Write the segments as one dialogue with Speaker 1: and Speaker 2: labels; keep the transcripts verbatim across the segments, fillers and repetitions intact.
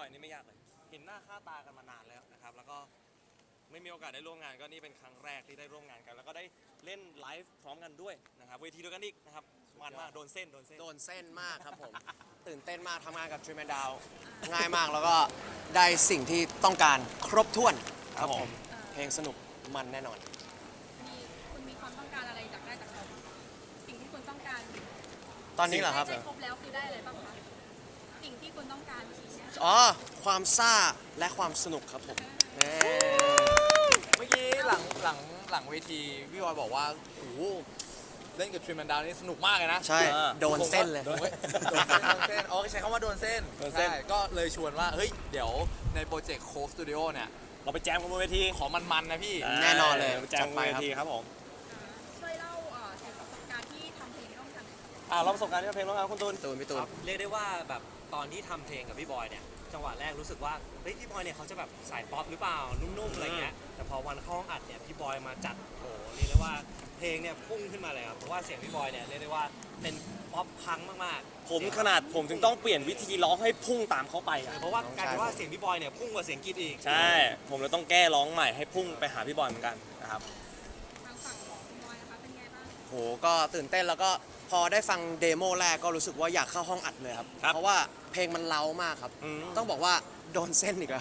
Speaker 1: อยนี่ไม่ยากเลยเห็นหน้าค่าตากันมานานแล้วนะครับแล้วก็ไม่มีโอกาสได้ร่วมงานก็นี่เป็นครั้งแรกที่ได้ร่วมงานกันแล้วก็ได้เล่นไลฟ์พร้อมกันด้วยนะครับเวทีเดียวกันอีกนะครับมันมากโดนเส้นโดนเส้น
Speaker 2: โดนเส้นมากครับผม ตื่นเต้นมากทำงานกับทรีแมนดาวง่ายมากแล้วก็ได้สิ่งที่ต้องการครบถ้วนครับผมเพลงสนุกมันแน่นอน
Speaker 3: มีคุณมีความต้องการอะไรจากได้จากเขาบ้างคะสิ่งที่คุณต้องการ
Speaker 2: ตอนนี้เหรอครับ
Speaker 3: ไม่ใช่ครบแล้วคือได้อะไรบ้างคะสิ่งที่คุณต้องการสิ่งเนี้ย
Speaker 2: อ๋อความซ่าและความสนุกครับผมแน่
Speaker 4: เมื่อกี้หลังหลังหลังเวทีพี่บอยบอกว่าโอ้โหเล่นกับทรีแมนดาวนี่สนุกมากเลยนะ
Speaker 2: ใช่โดนเส้นเลย
Speaker 4: โอ้ยโดนเส้นโดนเส้นอ๋อใช้คำว่าโดนเส้นใช่ก็เลยชวนว่าเฮ้ยเดี๋ยวในโปรเจกต์โค้กสตูดิโอเนี่ย
Speaker 1: เราไปแจมกันบนเวที
Speaker 4: ขอมันๆนะพี่
Speaker 2: แน่นอนเลย
Speaker 1: ไปแจมกันบนเวทีครับผม
Speaker 3: ช่วยเล่าเอ่อถึงประสบการณ์ที่ทำเพลงร่วมกันหน่อยค่ะ
Speaker 1: อ่าเราประสบการณ์ที่เพลงร้องงานคุณตูน
Speaker 2: ตูนพี่ตูน
Speaker 5: เรียกได้ว่าแบบตอนที่ทำเพลงกับพี่บอยเนี่ยจังหวะแรกรู้สึกว่าเฮ้ยพี่บอยเนี่ยเขาจะแบบสายป๊อปหรือเปล่านุ่มๆอะไรเงี้ยแต่พอวันเข้าห้องอัดเนี่ยพี่บอยมาจัดโอ้โหเรียกได้ว่าเพลงเนี่ยพุ่งขึ้นมาเลยครับเพราะว่าเสียงพี่บอยเนี่ยเรียกได้ว่าเป็นป๊อปพังมากๆ
Speaker 1: ผมขนาดผมถึงต้องเปลี่ยนวิธีร้องให้พุ่งตามเขาไปอ่ะ
Speaker 5: เพราะว่ากลายเป็นว่าเสียงพี่บอยเนี่ยพุ่งกว่าเสียงกรีดอีก
Speaker 1: ใช่ผมเลยต้องแก้ร้องใหม่ให้พุ่งไปหาพี่บอยเหมือนกันนะครับ
Speaker 3: ทางฝั่งของคุณบอยนะคะเป็นไงบ้าง
Speaker 2: โหก็ตื่นเต้นแล้วก็พอได้ฟังเดโมแรกก็รู้สึกว่าอยากเข้าห้องอัดเลยครับ
Speaker 1: ครับ
Speaker 2: เพราะว่าเพลงมันเล้ามากครับ
Speaker 1: อืม
Speaker 2: ต้องบอกว่าโดนเส้นอีกแล้ว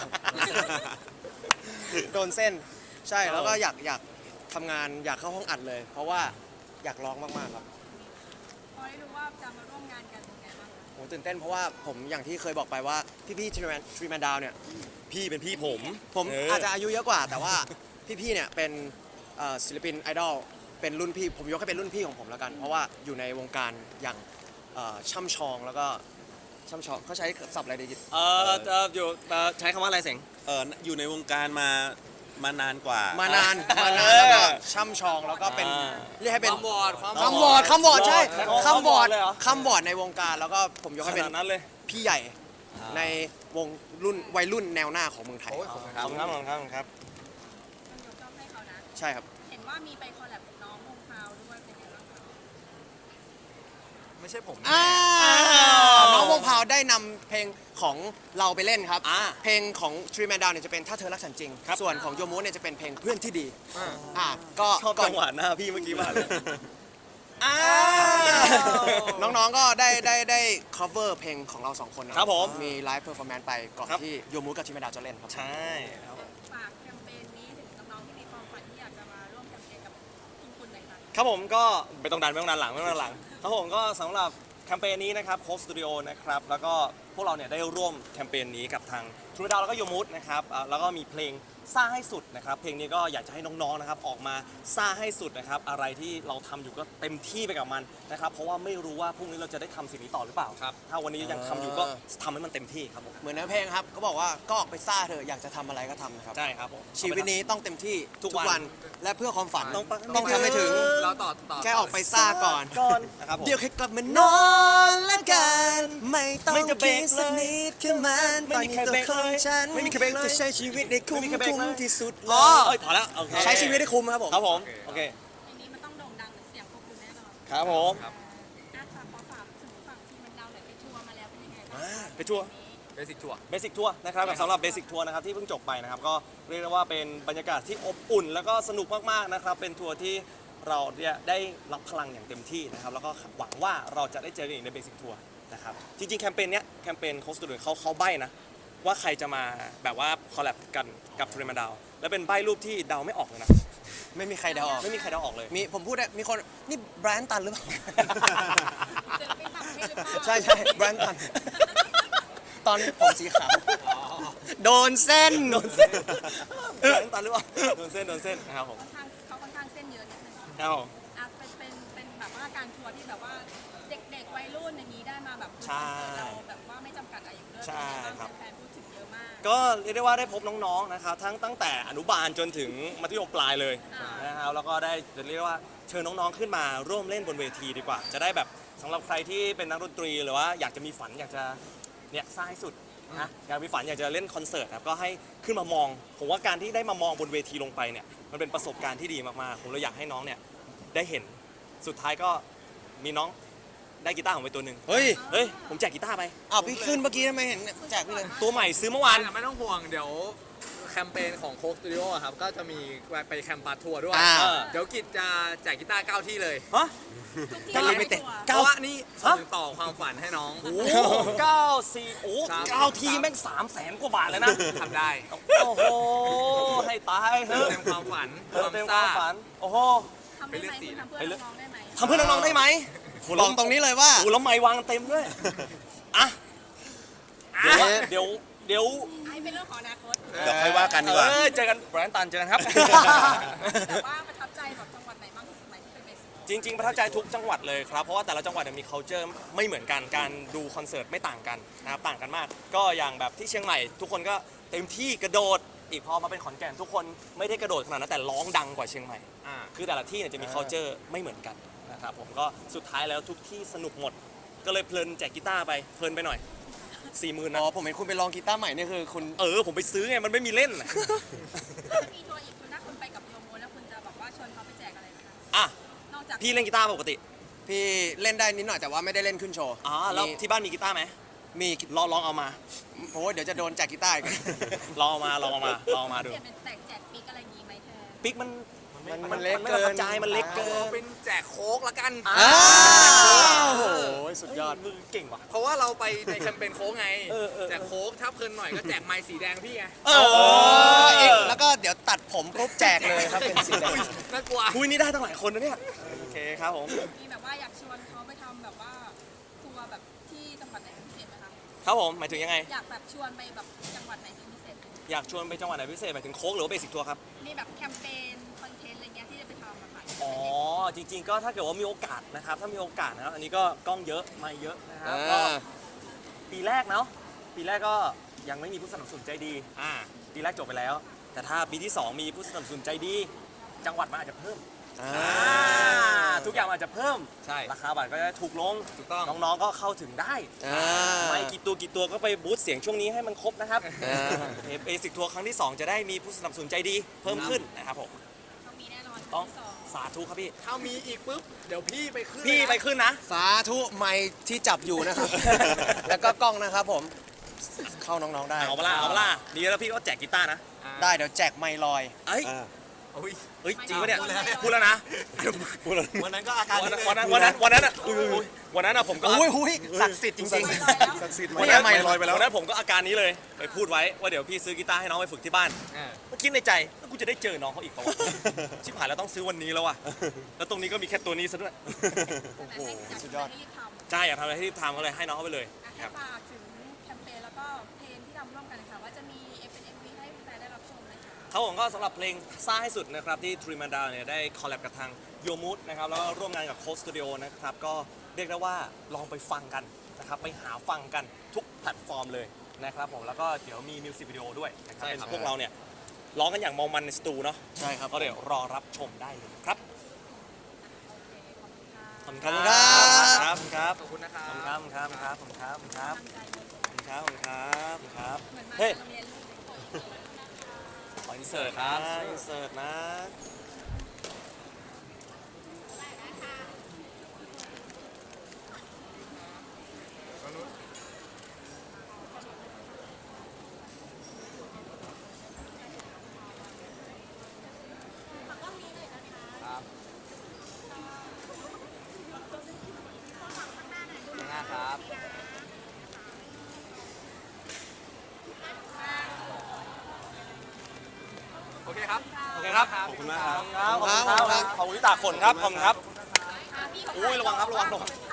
Speaker 2: โดนเส้นใช่แล้วก็อยากอยากทำงานอยากเข้าห้องอัดเลย เพราะว่าอยากร้องมากๆครับ
Speaker 3: พอได้รู้ว่าจะมาร่วมงานกันเป็นไงบ้างคะ
Speaker 2: ผมตื่นเต้นเพราะว่าผมอย่างที่เคยบอกไปว่าพี่ๆทรีแมนทรีแมนดาวเนี่ย
Speaker 1: พี่เป็นพี่ผม
Speaker 2: ผม
Speaker 1: เ
Speaker 2: อาจจะอายุเยอะกว่า แต่ว่าพี่ๆเนี่ยเป็นเอ่อศิลปินไอดอลเป็นรุ่นพี่ผมยกให้เป็นรุ่นพี่ของผมแล้วกัน เพราะว่าอยู่ในวงการอย่างเอ่อช่ำชองแล้วก็ช่ำชองเขาใช้ศัพท์อะไรดีกิจ
Speaker 1: เออเอ่ออยู่เอ่อใช้คำว่าอะไรเสียง
Speaker 6: เอออยู่ในวงการมามานานกว่า
Speaker 2: มานานมานาน
Speaker 1: เออ
Speaker 2: แล้วก็ช่ำชองแล้วก็เป็น
Speaker 1: อ่า
Speaker 2: เรียกให้เป็น
Speaker 4: ความวอร์ดความ
Speaker 2: คำวอร์ดคำวอร์ดใช่
Speaker 1: ใช้คำว่า
Speaker 2: คำวอร์ด
Speaker 1: เลยเหรอ
Speaker 2: คำวอร์ดในวงการแล้วก็ผมยก
Speaker 1: ข
Speaker 2: ให้เป็น
Speaker 1: นาดนั้นเลย
Speaker 2: พี่ใหญ่ในวงรุ่นวัยรุ่นแนวหน้าของเมืองไทย
Speaker 4: โอ้ยขอบคุณค
Speaker 1: ข
Speaker 4: รั
Speaker 1: อบบ คุณครับขอบคุณครับขอบคุณครับ
Speaker 3: ต้องยกย่องให้เขานะ
Speaker 2: ใช่ครับ
Speaker 3: เห็นว่ามีไปคอลแลบกับน้องวงพาวด้วยเป็นไงบ้างคะ
Speaker 4: ไม่ใช่ผม
Speaker 2: อ่า
Speaker 1: ว
Speaker 2: น้องวงพาวได้นำเพลงของเราไปเล่นครับ
Speaker 1: อ่า
Speaker 2: เพลงของ Three Man Down เนี่ยจะเป็นถ้าเธอรักฉันจริง
Speaker 1: ครับ
Speaker 2: ส่วนของโยมูเนี่ยจะเป็นเพลงเพื่อนที่ดีอ่าก็
Speaker 1: ชอบ
Speaker 2: ก่อ
Speaker 1: จั
Speaker 2: น
Speaker 1: งหวะหน้าพี่เมื่อกี้มากเลย
Speaker 2: อ่าน้องๆก็ได้ได้ได้ cover เพลงของเราสองคนนะครับ
Speaker 1: ผม
Speaker 2: มี live performance ไปก่อน
Speaker 1: ครับ
Speaker 2: ที่โยมูกับ Three Man Down จะเล่นครับ
Speaker 1: ใช่ครับ
Speaker 3: ฝากแคมเปญนี้ถึงน้องๆที่มีความฝันที่อยากจะมาร่วมแคมเปญกับคุณคุณหน่อยค่ะ
Speaker 1: ครับผมก็ไม่ต้องดันไม่ต้องดันหลังไม่ต้องดันหลังครับผมก็สำหรับแคมเปญนี้นะครับโค้ชสตูดิโอนะครับแล้วก็พวกเราเนี่ยได้ร่วมแคมเปญนี้กับทางทรูดาวแล้วก็โยมูดนะครับอ่าแล้วก็มีเพลงซ่าให้สุดนะครับเพลงนี้ก็อยากจะให้น้องๆนะครับออกมาซ่าให้สุดนะครับอะไรที่เราทำอยู่ก็เต็มที่ไปกับมันนะครับเพราะว่าไม่รู้ว่าพรุ่งนี้เราจะได้ทำสิ่งนี้ต่อหรือเปล่า
Speaker 4: ครับ
Speaker 1: ถ้าวันนี้ยังทำอยู่ก็ทำให้มันเต็มที่ครับผม
Speaker 2: เหมือนในเพลงครับก็บอกว่าก็ออกไปซ่าเถอะอยากจะทำอะไรก็ทำนะครับ
Speaker 1: ใช่ครับผม
Speaker 2: ชีวิตนี้ต้องเต็มที่
Speaker 1: ทุกวัน
Speaker 2: และเพื่อความฝัน
Speaker 1: ต้อง
Speaker 2: ต้องทำให้ถึง
Speaker 4: เราต่อต่อ
Speaker 2: แค่ออกไปซ่าก่อน
Speaker 1: ก่อนนะครับผม
Speaker 2: เดี๋ยวแค่กลับมานอนละกัน ไม่ต้อง
Speaker 1: ไม่จะเบร
Speaker 2: คิ
Speaker 1: ก
Speaker 2: ด
Speaker 1: เลย
Speaker 2: สักนิดแค่มัน
Speaker 1: ไม่
Speaker 2: ตอน
Speaker 1: มี
Speaker 2: นี้
Speaker 1: ใคร
Speaker 2: ตัว
Speaker 1: เบรก
Speaker 2: ของ
Speaker 1: เลย
Speaker 2: ฉัน
Speaker 1: ไม่มีใครเบรกเลย
Speaker 2: จะใช้ชีวิตในคุ้ม
Speaker 1: ไม่มีใครเบรก
Speaker 2: คุ้ม
Speaker 1: เลย
Speaker 2: ที่สุดเล
Speaker 1: อ๋อย เอ้ยพอแล้วโอเค
Speaker 2: ใช้ชีวิตให้คุ้มครับผม
Speaker 1: ครับผมโอเค
Speaker 3: เพลงนี้มันต้องโด่งดังเสียงพวกคุณแน่นอน
Speaker 1: ครับผม
Speaker 4: ครับ
Speaker 3: อ่ะฝากขอฝากถึงฝั่งที่มันดาวหน่อยไปทัวร์มาแล้วเป็นยังไงบ้าง
Speaker 2: อ่า
Speaker 3: คะ
Speaker 1: ไปทัวร์
Speaker 4: เบสิกทัวร์
Speaker 1: เบสิกทัวร์นะครับสำหรับเบสิกทัวร์นะครับที่เพิ่งจบไปนะครับก็เรียกได้ว่าเป็นบรรยากาศที่อบอุ่น แล้วก็สนุกมากๆนะครับเป็นทัวร์ที่เราเนี่ยได้รับพลังอย่างเต็มที่นะครับแล้วก็หวังว่าเราจะได้เจอกันอีกในเบสิกทัวร์นะครับจริงๆแคมเปญเนี้ยแคมเปญโค้ชตูดิโอเขาเขาใบ้นะว่าใครจะมาแบบว่าคอลแลบกันกับทรีมาดาวแล้วเป็นใบ้รูปที่เดาไม่ออกเลยนะ
Speaker 2: ไม่มีใครเดาออก
Speaker 1: ไม่มีใครเดาออกเลย
Speaker 2: มีผมพูดได้มีคนนี่แบรนด์ตันหรือเปล่า
Speaker 3: เจอเป็นต่างประเทศหรือเปล่า
Speaker 2: ใช่ใช่แบรนด์ตัน ตอนผมสีขาวโดนเส้น
Speaker 1: โดนเส้นโดนตันหรือเปล่าโดนเส้นโดนเส้นนะครับผม
Speaker 3: ค่อนข้างเขาค่อนข้างเส้นเยอะนิดนึง
Speaker 1: ครับผม
Speaker 3: อ่ะเป็นเป็นเป็นแบบว่าการทัวร์ที่แบบว่าเด็กๆวัยรุ่นอย่างนี้ได้มาแบบ
Speaker 1: ใช่
Speaker 3: คอนเสิร์ตเราแบบว่าไม่จำกัดอายุด้วย
Speaker 1: ใช่
Speaker 3: เป็นไง
Speaker 1: ครับ
Speaker 3: บ้างแฟนๆพูดถึงเยอะมาก
Speaker 1: ก็เรียกได้ว่าได้พบน้องๆนะครับทั้งตั้งแต่อนุบาลจนถึงมัธยมปลายเลย
Speaker 3: อ่าน
Speaker 1: นะครับแล้วก็ได้จะเรียกว่าเชิญน้องๆขึ้นมาร่วมเล่นบนเวทีดีกว่า จะได้แบบสำหรับใครที่เป็นนักดนตรีหรือว่าอยากจะมีฝันอยากจะเนี่ยสร้างให้สุดนะอยากมีฝันอยากจะเล่นคอนเสิร์ตครับก็ให้ขึ้นมามองผมว่าการที่ได้มามองบนเวทีลงไปเนี่ยมันเป็นประสบการณ์ที่ดีมากๆผมเลยอยากให้น้องเนี่ยได้เห็นสุดท้ายก็มีน้องได้กีตาร์ผมไปตัวหนึ่ง
Speaker 2: เฮ้ย
Speaker 1: เฮ้ยผมแจกกีตาร์ไป
Speaker 2: อ้าวพี่ขึ้นเมื่อกี้ทำไมเห็นแจกพี่เลย
Speaker 1: ตัวใหม่ซื้อเมื่อวาน
Speaker 4: ไม่ต้องห่วงเดี๋ยวแคมเปญของโค้กสตูดิโอครับก็จะมีไปแคมป์ปาทัวร์ด้วย
Speaker 2: อ่า
Speaker 4: เดี๋ยวกิจจะแจกกีตาร์เก้าที่เลย
Speaker 1: ฮะ
Speaker 3: ทุกที่
Speaker 2: จะ
Speaker 3: ไม่
Speaker 2: limited
Speaker 3: ตัว
Speaker 4: เพราะว่านี่ส่งต่อความฝันให้น้อง
Speaker 1: โอ้เก้าสี่โอ้
Speaker 4: ครับ
Speaker 1: เก้าทีแม่งสามแสนกว่าบาทเลยนะ
Speaker 4: ทำได้
Speaker 1: โอ้โห ให้ตายเถอะ
Speaker 4: เต็มความฝัน
Speaker 1: เออเต็มความฝัน โอ้โห
Speaker 3: ทำได้ไหมคุณทำเพื่อน้องๆได้ไหม
Speaker 1: ทำเพื่อน้องๆได้ไหม
Speaker 2: ลองตรงนี้เลยว่า
Speaker 1: โอ้แล้วไม้วางเต็มด้วย อ่ะ เดี๋ยวเดี๋ยวเดี๋ยว
Speaker 3: ไอ้เป็นเรื่องของอนาคต
Speaker 6: เดี๋ยวค่อยว่ากันดีก
Speaker 1: เอ
Speaker 6: ว่า
Speaker 1: อเจอกันแบรนด์ตันเจอกันครับ
Speaker 3: แต่ว่าประทับใจแบบจังหวัดไหนบ้างที่สุดไหมที่เป็นเบส
Speaker 1: จริง ๆ ประทับใจทุกจังหวัดเลยครับ เพราะว่าแต่ละจังหวัดเนี่ยมี culture ไม่เหมือนกัน การดูคอนเสิร์ตไม่ต่างกันนะครับ ต่างกันมาก ก็อย่างแบบที่เชียงใหม่ ทุกคนก็เต็มที่กระโดด อีกพอมาเป็นขอนแก่นทุกคนไม่ได้กระโดดขนาดนั้นแต่ร้องดังกว่าเชียงใหม่
Speaker 4: อ่า
Speaker 1: คือแต่ละที่เนี่ยจะมี culture ไม่เหมือนกันนะครับผมก็สุดท้ายแล้วทุกที่สนุกหมด ก็เลยเพลินแจกกีตาร์ไป เพลินไปหน่อยสี่หมื่น
Speaker 2: อ๋
Speaker 1: นะ
Speaker 2: อผมเห็นคุณไปลองกีตาร์ใหม่นี่คือคุณ
Speaker 1: เออผมไปซื้อไงมันไม่มีเล่นน่ะ
Speaker 3: ถ้าจะมีทัวร์อีกคุณถ้าคุณไปกับโยโมแล้วคุณจะบอกว่าชวนเขาไปแจกอะไรนะคะ
Speaker 1: อ่ะ
Speaker 3: นอกจาก
Speaker 1: พี่เล่นกีตาร์ปกติ
Speaker 2: พี่เล่นได้นิดหน่อยแต่ว่าไม่ได้เล่นขึ้นโชว์
Speaker 1: อ๋อแล้ว
Speaker 2: มี
Speaker 1: ที่บ้านมีกีตาร์ไหม
Speaker 2: มี
Speaker 1: ลองลองเอามา
Speaker 2: โอ้ยเดี๋ยวจะโดนแจกกีตาร์อีก
Speaker 1: ลองเอามาลองเอามาลองเอามาดู
Speaker 3: เปลี่ยนเป็นแจกแจกปิ๊กอะไรอย่างงี้ไหมแทน
Speaker 1: ปิ๊กมัน
Speaker 2: มันมันเล็ก
Speaker 1: ไม่
Speaker 2: เกิ
Speaker 1: ประทั
Speaker 2: น
Speaker 1: บใจมันเล็กเกิ
Speaker 4: เอา
Speaker 1: น
Speaker 4: เป็นแจกโค้กละกัน
Speaker 2: อ้าวโอ้โหสุดยอด
Speaker 1: มือเก่งว่ะ
Speaker 4: เพราะว่าเราไปในแคมเปญโค้กไง
Speaker 1: เออเออ
Speaker 4: แจกโค้กถ้าเพลินหน่อยก็แจกไม้สีแดงพี่ไง
Speaker 1: เอ
Speaker 2: โอ้
Speaker 1: อ
Speaker 2: อีกแล้วก็เดี๋ยวตัดผมปุ๊บแจกเลยครับเป็นสีแดง
Speaker 4: น่ากลัว
Speaker 1: คุยนี่ได้ตั้งหลายคนนะเนี่ยโอเคครับผม
Speaker 3: มีแบบว่าอยากชวนเขาไปทำแบบว่าทัวร์แบบที่จังหวัดไหนเป็นพิเศษไหมคะ
Speaker 1: ครับผมหมายถึงยังไง
Speaker 3: อยากแบบชวนไปแบบจังหวัดไหนเป็นพิเศษ
Speaker 1: อยากชวนไปจังหวัดไหนพิเศษหมายถึงโค้กหรือว่าเบสิกทัวร์ครับ
Speaker 3: มีแบบแคมเปญคอนเทนต์อะไรเงี้ยที่จะไปทำอะค่ะ
Speaker 1: อ๋อจริง ๆ ก็ถ้าเกิดว่ามีโอกาสนะครับถ้ามีโอกาสนะครับอันนี้ก็กล้องเยอะไม่เยอะนะครับ
Speaker 2: อ่า
Speaker 1: ก็ปีแรกเนาะปีแรกก็ยังไม่มีผู้สนับสนุนใจดีอ่าปีแรกจบไปแล้ว แต่ถ้าปีที่สองมีผู้สนับสนุนใจดี จังหวัดมันอาจจะเพิ่ม
Speaker 2: อ่า
Speaker 1: อ่าทุกอย่างมันอาจจะเพิ่ม
Speaker 4: ใช่
Speaker 1: ราคาบัตรก็จะถูกลง
Speaker 4: ถูกต้อง
Speaker 1: น้องๆก็เข้าถึงได้
Speaker 2: อ่า
Speaker 1: ไม่กี่ตัวกี่ตัวก็ไปบูสต์เสียงช่วงนี้ให้มันครบนะครับ
Speaker 2: อ่า
Speaker 1: เบสิกทัวร์ครั้งที่สองจะได้มีผู้สนับสนุนใจดีเพิ่มขึ้นนะครับผม
Speaker 3: ต้องมีแน่นอน
Speaker 1: ต้อง
Speaker 3: ที่สอง
Speaker 1: สาธุครับพี่
Speaker 4: ถ้ามีอีกปุ๊บ เดี๋ยวพี่ไปขึ้น
Speaker 1: พี่
Speaker 4: เลยนะ
Speaker 1: ไปขึ้นนะ
Speaker 2: สาธุไม้ที่จับอยู่นะครับ แล้วก็กล้องนะครับผม เข้าน้องๆได้
Speaker 1: เอาเปะล่าเอาเปะล่าดีแล้วพี่ก็แจกกีตาร์นะ
Speaker 4: อ่า
Speaker 2: ได้เดี๋ยวแจกไมค์ลอย
Speaker 1: เอ้ย
Speaker 6: อ่า
Speaker 4: อุ้ย
Speaker 1: เฮ้ยจริงปะเนี่ยพูดแล้วนะ
Speaker 6: วันนั้นก็อาการ
Speaker 1: วันนั้นวันนั้นวันนั้นวันนั้นอ่ะอุ้ยอุ้ยวันนั้นอ่ะผมก็
Speaker 2: โอ้ยหุยศักดิ์สิทธิ์จริง
Speaker 6: ศักดิ์สิทธิ์
Speaker 1: วัน
Speaker 6: ไม่
Speaker 1: นั้น
Speaker 6: ไม่ลอยไปแล้ว
Speaker 1: วันนั้นผมก็อาการนี้เลยไปพูดไว้ว่าเดี๋ยวพี่ซื้อกีตาร์ให้น้องไปฝึกที่บ้าน
Speaker 4: อ่า
Speaker 1: ก็คิดในใจแล้วกูจะได้เจอน้องเขาอีกเปล่าวะ ชิบหายแล้วต้องซื้อวันนี้แล้วว่ะแล้วตรงนี้ก็มีแค่ตัวนี้ซะด้วย
Speaker 3: โอ้โหสุดยอดรีบทำ
Speaker 1: ใช่อยากทำอะไรที่รีบทำก็เลยให้น้องเขาไปเลย
Speaker 3: อ่ะ
Speaker 1: ค
Speaker 3: ให้
Speaker 1: รับ
Speaker 3: ฝากถึงแคมเปญแล้วก็เพลงที่ทำร่วมกันค่ะว่าจะมีเอฟเป็นเอ็มวีให้แฟนได้รับชมนะคะ
Speaker 1: เขาผมก็สำหรับเพลงซ่าให้สุดนะครับที่ทรีมันดาวเนี่ยได้คอลแลบกับทางโยมูดนะครับแล้วก็ร่วมงานกับโค้ชสตูดิโอนะครับก็เรียกได้ว่าลองไปฟังกันนะครับไปหาฟังกันทุกแพลตฟอร์มเลยนะครับผมแล้วก็เดี๋ยวมีมิวสิกวิดีโอด้วยนะครับเป็นพวกเราเนี่ยร้องกันอย่างเมามันในสตูเนาะ
Speaker 2: ๆ ใช่ครับ
Speaker 1: ก็เดี๋ยวรอรับชมได้เลยครับ
Speaker 3: โอเคขอบคุณค่ะ
Speaker 1: ขอบคุณครับ ครับ
Speaker 4: ขอบคุณนะครั
Speaker 1: ขอบคุณครับ บครับครับขอบคุณครับขอบคุณครับ
Speaker 3: ตั้งใจเลย
Speaker 1: ขอบคุณครับขอบคุณครับขอบคุณครับ
Speaker 3: เหมือนมา
Speaker 1: เฮ้ย
Speaker 3: โรงเรียนลูกเด็ก
Speaker 1: ขออินเสิร์ตนะอินเสิร์ตนะ
Speaker 4: หน้าครับ โอเคครับ
Speaker 1: โอเคครับ
Speaker 6: ขอบคุณมากครับ
Speaker 1: ขอบคุณครับขอบคุณครับขอบคุณที่ตากฝนครับขอบคุณครับ
Speaker 3: อ่ะพี่เขา
Speaker 1: อุ้ยระวังครับระวังระวัง